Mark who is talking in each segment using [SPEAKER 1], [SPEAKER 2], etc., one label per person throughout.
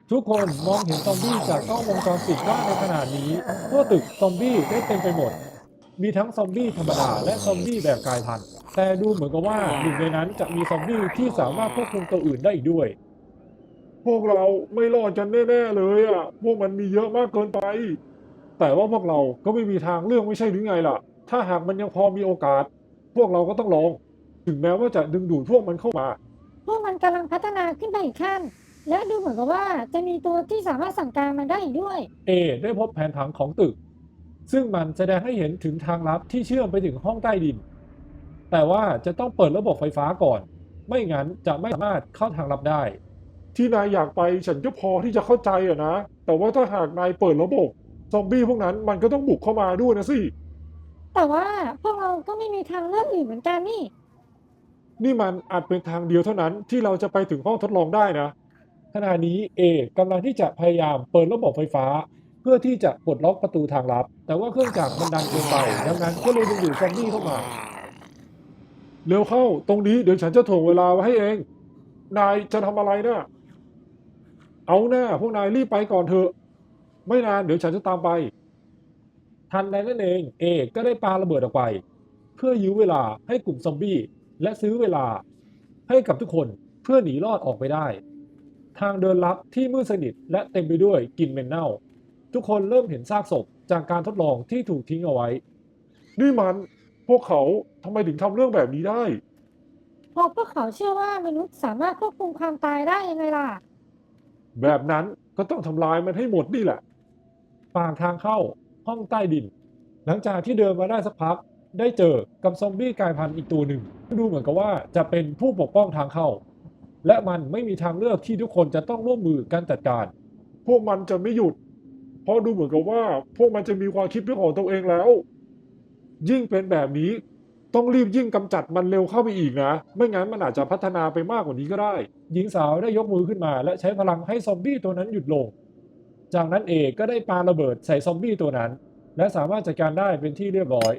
[SPEAKER 1] ทุกคนมองเห็นซอมบี้จากกล้องวงจรปิดได้ในขณะนี้ทั่วตึกซอมบี้ได้เต็มไปหมดมีทั้งซอมบี้ธรรมดาและซอมบี้แบบกลายพันธุ์แต่ดูเหมือนกับว่าหนึ่งในนั้นจะมีซอมบี้ที่สามารถควบคุมตัวอื่นได้อีกด้วยพวกเราไม่รอดกันแน่ๆเลยอ่ะพวกมันมีเยอะมากเกินไปแต่ว่าพวกเราก็ไม่มีทางเลือกไม่ใช่หรือไงล่ะถ้าหากมันยังพอมีโอกาสพวกเราก็ต้องลองถึงแม้ว่าจะดึงดูดพวกมันเข้ามา
[SPEAKER 2] พวกมันกำลังพัฒนาขึ้นไปอีกขั้นและดูเหมือนกับว่าจะมีตัวที่สามารถสั่งการมันได้อีกด้วย
[SPEAKER 1] เอได้พบแผนผังของตึกซึ่งมันแสดงให้เห็นถึงทางลับที่เชื่อมไปถึงห้องใต้ดินแต่ว่าจะต้องเปิดระบบไฟฟ้าก่อนไม่งั้นจะไม่สามารถเข้าทางลับได้ที่นายอยากไปฉันก็พอที่จะเข้าใจอะนะแต่ว่าถ้าหากนายเปิดระบบซอมบี้พวกนั้นมันก็ต้องบุกเข้ามาด้วยนะสิ
[SPEAKER 2] แต่ว่าพวกเราก็ไม่มีทางเลือกอื่นเหมือนกันนี่
[SPEAKER 1] นี่มันอาจเป็นทางเดียวเท่านั้นที่เราจะไปถึงห้องทดลองได้นะขณะนี้เอกำลังที่จะพยายามเปิดระบบไฟฟ้าเพื่อที่จะปลดล็อกประตูทางลับแต่ว่าเครื่องจักรมันดันเกินไปดังนั้นก็เลยดึงดูดซอมบี้เข้ามา เร็วเข้าตรงนี้เดี๋ยวฉันจะถ่วงเวลาไว้ให้เองนายจะทำอะไรนะเอาหน้าพวกนายรีบไปก่อนเถอะไม่นานเดี๋ยวฉันจะตามไปทันใดนั่นเองเอกก็ได้ปาระเบิดออกไปเพื่อยื้อเวลาให้กลุ่มซอมบี้และซื้อเวลาให้กับทุกคนเพื่อหนีรอดออกไปได้ทางเดินลับที่มืดสนิทและเต็มไปด้วยกลิ่นเหม็นเน่าทุกคนเริ่มเห็นซากศพจากการทดลองที่ถูกทิ้งเอาไว้นี่มันพวกเขาทำไมถึงทำเรื่องแบบนี้ได้
[SPEAKER 2] เพราะพวกเขาเชื่อว่ามนุษย์สามารถควบคุมความตายได้ยังไงล่ะ
[SPEAKER 1] แบบนั้นก็ต้องทำลายมันให้หมดนี่แหละปากทางเข้าห้องใต้ดินหลังจากที่เดินมาได้สักพักได้เจอกับซอมบี้กลายพันธุ์อีกตัวหนึ่งดูเหมือนกับว่าจะเป็นผู้ปกป้องทางเข้าและมันไม่มีทางเลือกที่ทุกคนจะต้องร่วมมือกันจัดการพวกมันจะไม่หยุดเพราะดูเหมือนกับว่าพวกมันจะมีความคิดเป็นของตัวเองแล้วยิ่งเป็นแบบนี้ต้องรีบยิ่งกำจัดมันเร็วเข้าไปอีกนะไม่งั้นมันอาจจะพัฒนาไปมากกว่านี้ก็ได้หญิงสาวได้ยกมือขึ้นมาและใช้พลังให้ซอมบี้ตัวนั้นหยุดลง จากนั้นเอกก็ได้ปาระเบิดใส่ซอมบี้ตัวนั้นและสามารถจัดการได้เป็นที่เรียบร้อย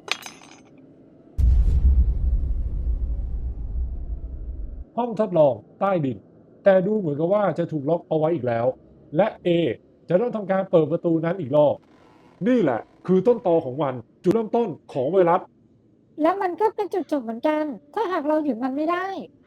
[SPEAKER 1] ห้องทดลองใต้ดินแต่ดูเหมือนกับว่าจะถูกล็อกเอาไว้อีกแล้วและเอจะต้องทำการเปิดประตูนั้นอีกรอบนี่แหละคือต้นตอของมันจุดเริ่มต้นของไวรัส
[SPEAKER 2] และมันก็เป็นจุดจบเหมือนกันถ้าหากเราหยุดมันไม่ได้